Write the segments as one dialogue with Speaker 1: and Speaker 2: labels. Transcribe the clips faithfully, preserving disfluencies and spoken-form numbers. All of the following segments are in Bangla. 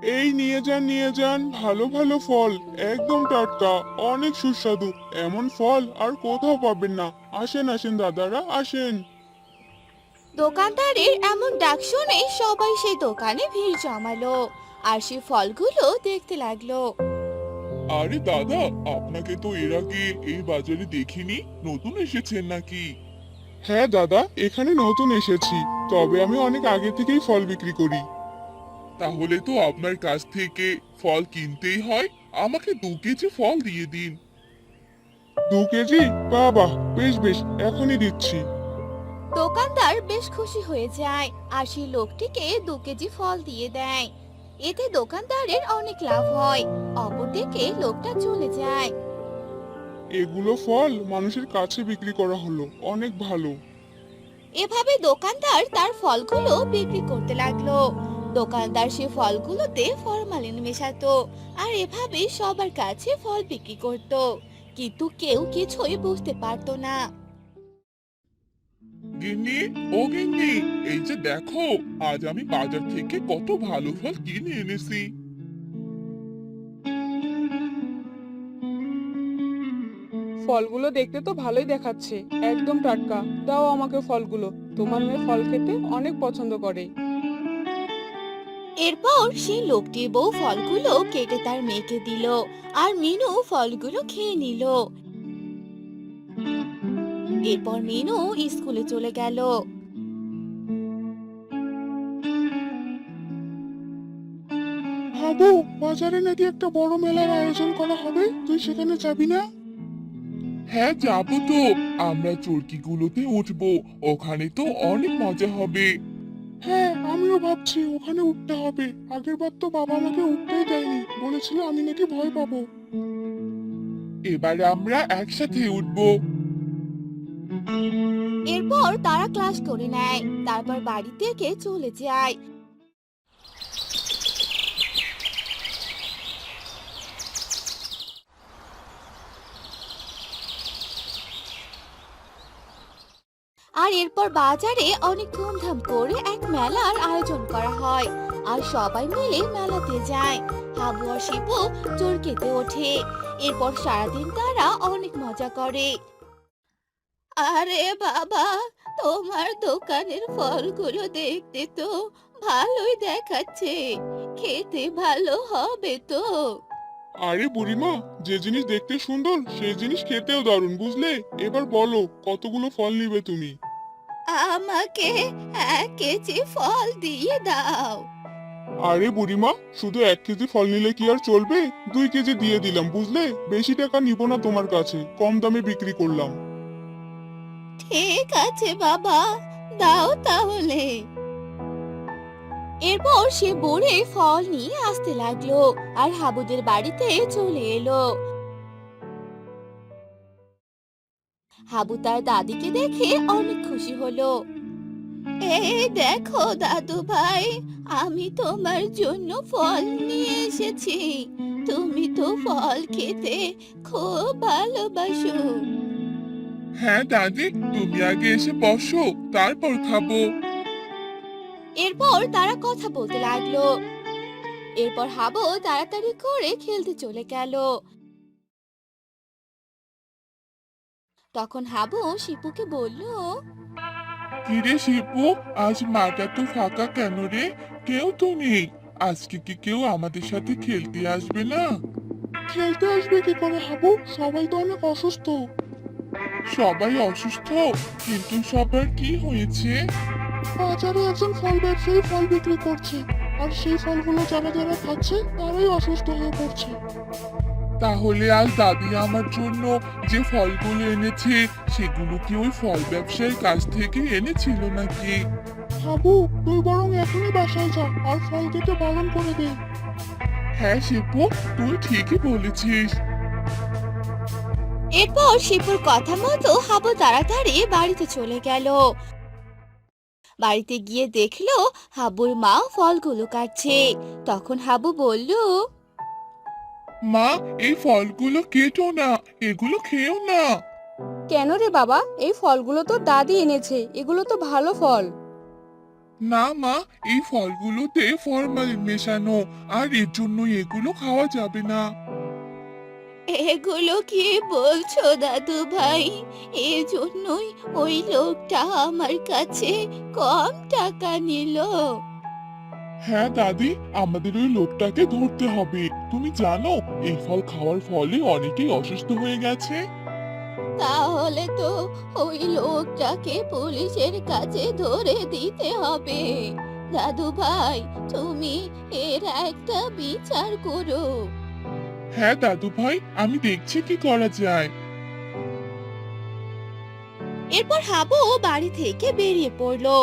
Speaker 1: এই নিয়ে যান নিয়ে যান ভালো ভালো ফল, একদম টাটকা, অনেক সুস্বাদু। এমন ফল আর কোথাও পাবেন না। আসেন আসেন দাদারা আসেন।
Speaker 2: দোকানদারের এমন ডাক শুনে সবাই সেই দোকানে ভিড় জমালো আর সেই ফলগুলো দেখতে লাগলো।
Speaker 1: আরে দাদা, আপনাকে তো এর আগে এই বাজারে দেখিনি, নতুন এসেছেন নাকি? হ্যাঁ দাদা, এখানে নতুন এসেছি। তবে আমি অনেক আগে থেকেই ফল বিক্রি করি। তাহলে তো আপনার কাছ থেকে ফল কিনতেই হয়। আমাকে দু কেজি ফল দিয়ে দিন। দু কেজি? বাহ, বেশ বেশ, এখনই দিচ্ছি।
Speaker 2: দোকানদার বেশ খুশি হয়ে যায় আর সেই লোকটিকে দু কেজি ফল দিয়ে দেয়। এতে দোকানদারের অনেক লাভ হয়। অপরদিকে লোকটা চলে যায়।
Speaker 1: এগুলো ফল মানুষের কাছে বিক্রি করা হলো, অনেক ভালো।
Speaker 2: এভাবে দোকানদার তার ফলগুলো বিক্রি করতে লাগলো। দোকানদার সে ফলগুলোতে ফরমালিন মেশাতো আর এভাবে সবার কাছে ফল বিক্রি করত। কিন্তু কেউ কিছুই বুঝতে পারতো না।
Speaker 1: গিন্নি, ও গিন্নি, এই যে দেখো, আজ আমি বাজার থেকে কত ভালো ফল কিনে এনেছি।
Speaker 3: ফলগুলো দেখতে তো ভালোই দেখাচ্ছে, একদম টাটকা। দাও আমাকে ফলগুলো, তোমার মেয়ে ফল খেতে অনেক পছন্দ করে।
Speaker 2: এরপর সেই লোকটির বউ ফলগুলো কেটে তার মেয়েকে দিল আর মিনু ফলগুলো খেয়ে নিল। এরপর মিনু স্কুলে চলে গেল।
Speaker 1: হাবু, বাজারে নাকি একটা বড় মেলার আয়োজন করা হবে, তুই সেখানে যাবি না? হ্যাঁ যাবো তো। আমরা চরকিগুলোতে উঠবো, ওখানে তো অনেক মজা হবে। হ্যাঁ, আমিও ভাবছি ওখানে উঠতে হবে। আগের বার তো বাবা আমাকে উঠতেই দেয়নি, বলেছিল আমি নাকি ভয় পাবো। এবার আমরা একসাথে উঠবো।
Speaker 2: এরপর তারা ক্লাস করে নেয়, তারপর বাড়ি থেকে চলে যায়। আর এরপর বাজারে অনেক ধুমধাম করে এক মেলার আয়োজন করা হয় আর সবাই মিলে মেলাতে যায়। হাবু আর শিবু চরকিতে ওঠে। এরপর সারাদিন তারা অনেক মজা করে। আরে বাবা, তোমার দোকানের ফলগুলো দেখতে তো ভালোই দেখাচ্ছে, খেতে ভালো হবে তো?
Speaker 1: আরে বুড়িমা, যে জিনিস দেখতে সুন্দর সেই জিনিস খেতেও দারুণ, বুঝলে? এবার বলো কতগুলো ফল নিবে তুমি?
Speaker 2: আমাকে এক কেজি ফল দিয়ে দাও।
Speaker 1: আরে বুড়িমা, শুধু এক কেজি ফল নিলে কি আর চলবে? দুই কেজি দিয়ে দিলাম, বুঝলে? বেশি টাকা নিব না তোমার কাছে, কম দামে বিক্রি করলাম।
Speaker 2: ঠিক আছে বাবা, দাও তাহলে। এরপর সে বড়ে ফল নিয়ে আসতে লাগলো আর হাবুদের বাড়িতে চলে এলো। হাবু তার দাদিকে দেখে অনেক খুশি হলো। এই দেখো দাদু ভাই, আমি তোমার জন্য ফল নিয়ে এসেছি। তুমি তো ফল খেতে খুব ভালোবাসো।
Speaker 1: হ্যাঁ দাদি, তুমি আগে এসে বসো, তারপর খাবো।
Speaker 2: এরপর তারা কথা বলতে লাগলো। এরপর হাবু তাড়াতাড়ি করে খেলতে চলে গেল। তখন হাবু শিপুকে বলল,
Speaker 1: কিরে শিপু, আজ মাঠটা তো ফাঁকা কেন রে? কেউ তো নেই। আজকে কি কেউ আমাদের সাথে খেলতে আসবে না? খেলতে আসবে কি করে হাবু? সবাই তো অনেক অসুস্থ। সবাই অসুস্থ? কিন্তু সবার কি হয়েছে? বাজারে একজন ফল ব্যবসায়ী ফল বিক্রি করছে, আর সেই ফলগুলো যারা যারা খাচ্ছে তারাই অসুস্থ হয়ে পড়ছে। তাহলে আজ দাদি আমার জন্য যে ফলগুলো এনেছে সেগুলো কি ওই ফল ব্যবসায়ীর কাছ থেকে এনেছিল নাকি? হাবু, তুই বরং এখনই বাসায় যা আর ফল কেটে বারণ করে দে। হ্যাঁ শিপু, তুই ঠিকই বলেছিস।
Speaker 2: এরপর শিপুর কথা মতো হাবু তাড়াতাড়ি বাড়িতে চলে গেল। বাড়িতে গিয়ে দেখলো হাবুর মা ফলগুলো কাটছে। তখন হাবু বলল,
Speaker 1: মা, এই ফলগুলো কেটো না, এগুলো খেও না।
Speaker 3: কেন রে বাবা, এই ফলগুলো তো দাদি এনেছে, এগুলো তো ভালো ফল।
Speaker 1: না মা, এই ফলগুলোতে ফরমালিন মেশানো, আর এর জন্য এগুলো খাওয়া যাবে না।
Speaker 2: এগুলো কি বলছো দাদু ভাই? এজন্যই ওই লোকটা আমার কাছে কম টাকা নিল।
Speaker 1: হ্যাঁ দাদি, আমাদের ওই লোকটাকে ধরতে হবে। তুমি জানো এই ফল খাওয়ার ফলে অনেকেই অসুস্থ হয়ে গেছে।
Speaker 2: তাহলে তো ওই লোকটাকে পুলিশের কাছে ধরে দিতে হবে। দাদু ভাই, তুমি এর একটা বিচার করো।
Speaker 1: হ্যাঁ দাদু ভাই, আমি দেখছি কি করা যায়।
Speaker 2: এরপর হাবু বাড়ি থেকে বেরিয়ে পড়লো।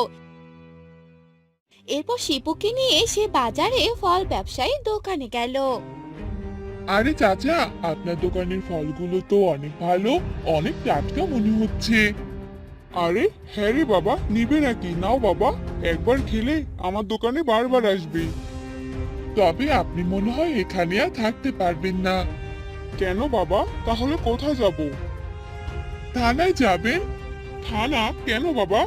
Speaker 2: এরপর শিপুকে নিয়ে সে বাজারে ফল ব্যবসায়ীর দোকানে গেল।
Speaker 1: আরে চাচা, আপনার দোকানের ফলগুলো তো অনেক ভালো, অনেক টাটকা মনে হচ্ছে। আরে হ্যাঁ রে বাবা, নিবে নাকি? নাও বাবা, একবার খেলে আমার দোকানে বারবার আসবে। তবে আপনি মনে হয় এখানে আর থাকতে পারবেন না। কেন বাবা, তাহলে কোথায় যাব? থানায় যাবেন। থানা কেন বাবা?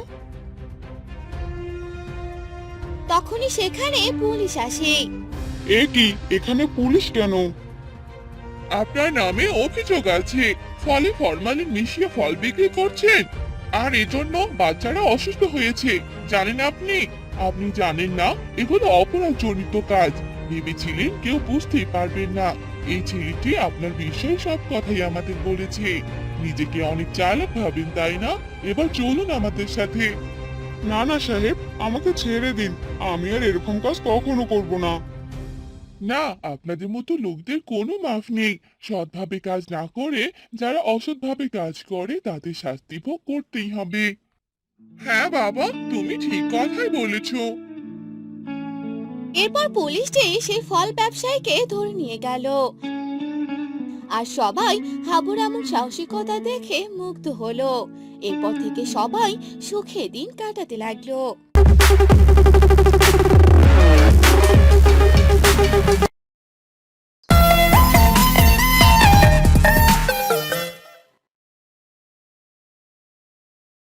Speaker 2: তখনই সেখানে পুলিশ আসে।
Speaker 1: এ কি, এখানে পুলিশ কেন? আপনার নামে অভিযোগ আছে, ফলে ফরমালিন মিশিয়ে ফল বিক্রি করছেন, আর এজন্য বাচ্চারা অসুস্থ হয়েছে। জানেন আপনি? আপনি জানেন না এগুলো অপরাধ জনিত কাজ। ভেবেছিলেন কেউ বুঝতেই পারবেন না। এই ছেলেটি আপনার বিষয়ে সব কথাই আমাদের বলেছে। নিজেকে অনেক চালাক ভাবেন তাই না? এবার চলুন আমাদের সাথে। না না সাহেব, আমাকে ছেড়ে দিন, আমি আর এরকম কাজ কখনো করব না। না, আপনাদের মতো লোকদের কোনো মাফ নেই। সৎভাবে কাজ না করে যারা অসৎভাবে কাজ করে তাদের শাস্তি ভোগ করতেই হবে। হ্যাঁ বাবা, তুমি ঠিক কথাই বলেছো।
Speaker 2: এরপর পুলিশটি সেই ফল ব্যবসায়ীকে ধরে নিয়ে গেল। আর সবাই হাবুর এমন সাহসিকতা দেখে মুগ্ধ হলো। এরপর থেকে সবাই সুখে দিন কাটাতে লাগলো।